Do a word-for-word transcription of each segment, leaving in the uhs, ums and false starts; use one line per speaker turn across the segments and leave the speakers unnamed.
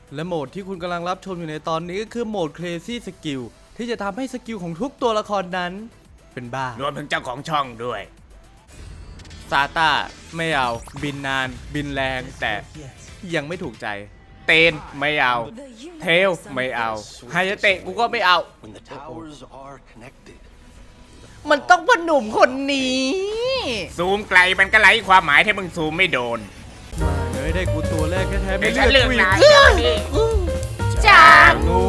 และโหมดที่คุณกำลังรับชมอยู่ในตอนนี้ก็คือโหมด Crazy Skill ที่จะทำให้สกิลของทุกตัวละครนั้นเป็นบ้าร
วมถึงเจ้าของช่องด้วย
ซาต้าไม่เอาบินนานบินแรงแต่ยังไม่ถูกใจเตนไม่เอาเทลไม่เอาไฮยาเตะกูก็ไม่เอา
When the towers are connected.
มันต้องพ่อหนุ่มคนนี้
ซูมไกลมันก็ไร้ความหมายถ้ามึงซูมไม่โดน
เฮ้ยได้กูตัวแรกแท้ๆ
ไม่
ไม่
ใช่
เลื
เรื่
อ
อก ง
กูอี
นาย
ก
นะนี่
จางู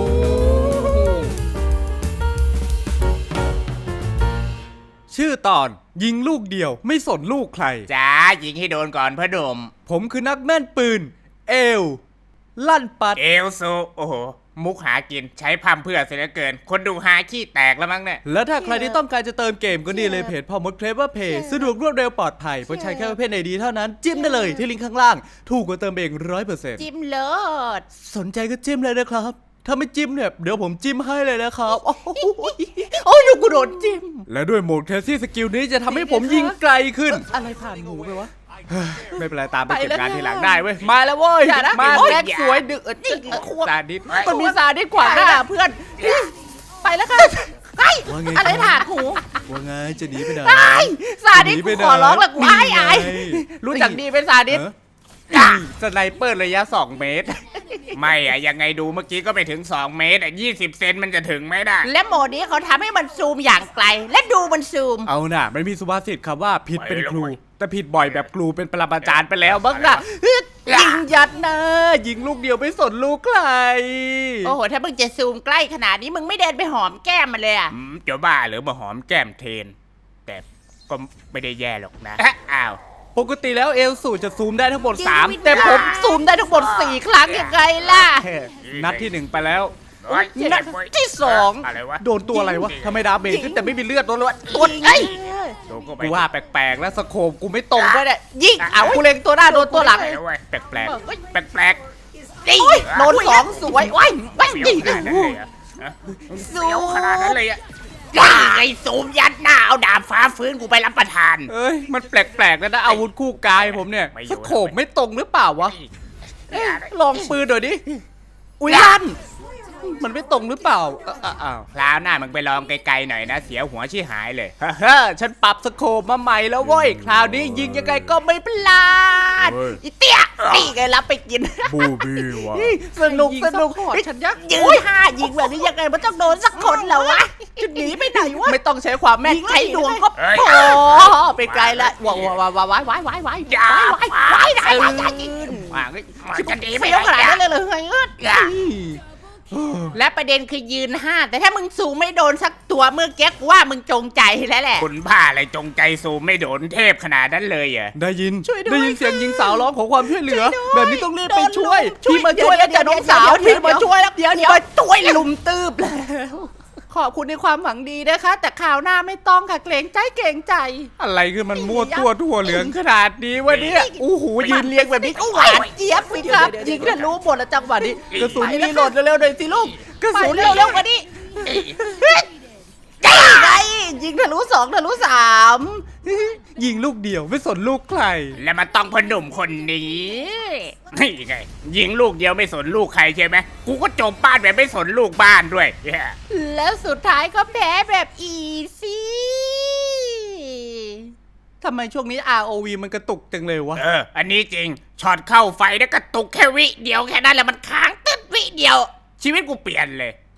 ชื่อตอนยิงลูกเดียวไม่สนลูกใคร
จ้ายิงให้โดนก่อนพ่อดม
ผมคือนักแม่นปืน เอล ลั่นปัด
เอลซูโอ้โห มุกหากินใช้พัมเพื่อเสียเหลือเกิน คนดูหาขี้แตกแล้วมั้งเนี่ย
แล้วถ้าใครที่ต้องการจะเติมเกมก็นี่เลยเพจพอมดเคลเวอร์เพจสะดวกรวดเร็วปลอดภัยเพราะใช้แค่ประเภทไหนดีเท่านั้นจิ้มได้เลยที่ลิงก์ข้างล่าง ถูกกว่าเติมเองร้อยเปอร์เซ็นต์
จิ้มเลิศ
สนใจก็จิ้มเลยนะครับ ถ้าไม่จิ้มเนี่ยเดี๋ยวผมจิ้มให้เลยนะครับ โอ้โหโอ้ยกูโดนจิ้ม และด้วยโหมดแคสซี่สกิลนี้จะทำให้ผมยิงไกลขึ้น อะไรผ่านหูไปวะ ไม่เป็นไรตามไปเก็บงานทีหลังได้เว้ย มาแล้วเว้ย
อย่านะ
มา
โอ๊ย
แรกสวยดึก
นี่ควบ
ซาดิส
มันมีซาดิสขวางหน้าเพื่อน ไปแล้วค่ะไอ้
ว่าไง
อะไรผ่านหู
ว่าไงจะหนีไปไหน
ไอ้ซาดิส
หนีไป
กูขอร้องละกู
ไหน
ไอ้ไอ้
นี่ไง
รู้จักดีเป็นซาดิส
เออ
สไนเปอร์ระยะสองเมตร ไม่อะยังไงดูเมื่อกี้ก็ไม่ถึงสองเมตรอะยี่สิบเซนมันจะถึงไหมน่ะ
และโหมดนี้เขาทำให้มันซูมอย่างไกล และดูมันซูม
เอาน่ะมันมีสุภาษิตคำว่าผิดเป็นครู
ไปแล้วเว้ย
แต่ผิดบ่อยแบบครูเป็นปรมาจารย์ไปแล้วบ้างน่ะฮึดยิงยัดนะยิงลูกเดียวไม่สนลูกใคร
โอ้โห ถ้ามึงจะซูมใกล้ขนาดนี้มึงไม่เดินไปหอมแก้มมันเลยอะ
อืมจะบ้าหรือมาหอมแก้มเทน แต่ก็ไม่ได้แย่หรอกนะ อ้าว
ปกติแล้วเอลสูจะซูมได้ทั้งหมดสาม
แต่
แต่
ผ
ผม ม
ซูมได้ทั้งหมดสี่ครั้งยังไงล่ะ
แค่นัดที่หนึ่งไปแล้ว
โอ๊ย
นัดที่สอง
อะไรวะ
โดนตัวอะไรวะทำไมดาเมจขึ้นแต่ไม่มีเลือดตัวละ
กดไอ้ย
โดนเข้าไป
กูว่าแปลกๆแล้วสโคปกูไม่ตรงด้วยแหละ
ยิงเอากูเล็งตัวหน้าโดนตัวหลัง
แปลกๆเว้ยแปลกแปลกแปลกแปลก
โอ้ยโดนสองสวยว้ายว้าย
เสียว
ยิง
ขนาดนั้นเลยอะฮะ
ซู
เสียวขนาดนั้นเลยอะ
ไอ้ซูมยัดหน้าเอาดาบฟ้าฟื้นกูไปรับประทาน
เอ้ยมันแปลกๆแล้วนะอาวุธคู่กายผมเนี่ยสโคปไม่ตรงหรือเปล่าวะ
เอ้ย
ลองปืนหน่อยดิ อุ้ยลั่น มันไม่ตรงหรือเปล่าเอ้าเอ้าอ้าว
คราวหน้ามึงไปลองไกลๆหน่อยนะ เสียหัวชี้หายเลย
ฮ่าฮ่าฉันปรับสโคปมาใหม่แล้วเว้ย คราวนี้ยิงยังไงก็ไม่พลาด
เว้ย
อีเตี้ยนี่ไงรับไปกิน
บูบี้วะ
สนุกสนุก
ฉันยักยืนท่ายิงแบบนี้ยังไงมันต้องโดนสักคนแล้ววะจะหนีไปไหนวะ
ไม่ต้องใช้ความแม่น
ใช้ดวงก็
เอ้ย
พอไปไกลละว้าวว้าวว้าวว้าวว้าวว้าวว้าว
อย่า
ว้าวว้าวว้าวได้ได้ได้
ว่าเฮ้ยมันจะดีไป
ไม่
ไหน
ต้องขนาด
อะ
นั้นเลยเลยเฮ้ยเอิ้น
อย่า
และประเด็นคือยืนห้าแต่ถ้ามึงสูงไม่โดนสักตัวเมื่อกี้กูว่ามึงจงใจแล้วแหละ
คุณบ้าอะไรจงใจซูมไม่โดนเทพขนาดนั้นเลยเหรอ
ได้ยิน
ช่วยด้วย
ได้ยินเสียงหญิงสาวร้องขอความช่วยเหลือ
ช่วยด้วย
แบบนี้ต้องรีบไป
โดน
ช่วย
ลุม
พี่มาช่วยแล้ว
เดี๋
จ้ะ
ยว
น้องสาว
เดี๋ยว
พี่มาช่วยแล้ว
เดี๋ยวเดี๋ยวช่วยลุมตืบแล้ว ขอบคุณในความหวังดีนะคะ แต่ข่าวหน้าไม่ต้องค่ะเกรงใจเกรงใจ
อะไรคือมันมั่วตัวทั่วเหลืองขนาดนี้วะเนี่ยโอ้โหยืนเรียงแบบนี้
หวานเจี๊ยบสิครับยิงทะลุหมดแล้วจังหวะนี้
กระสุนรีโหลดเร็วๆหน่อยสิลูกกระสุน
เร็วเร็วๆกว่านี้ยิงไงยิงทะลุสองทะลุสาม
ยิงลูกเดียวไม่สนลูกใคร
และมันต้องพอหนุ่มคนนี้นี่ไงยิงลูกเดียวไม่สนลูกใครใช่ไหมกูก็จบบ้านแบบไม่สนลูกบ้านด้วยเหี้ย
แล้วสุดท้ายก็แพ้แบบอีซี่
ทำไมช่วงนี้ อาร์ โอ วี มันกระตุกจังเลยวะ
เออ อันนี้จริงช็อตเข้าไฟแล้วกระตุกแค่วิเดียวแค่นั้นแหละมันค้างตึ๊ดวิเดียว ชีวิตกูเปลี่ยนเลย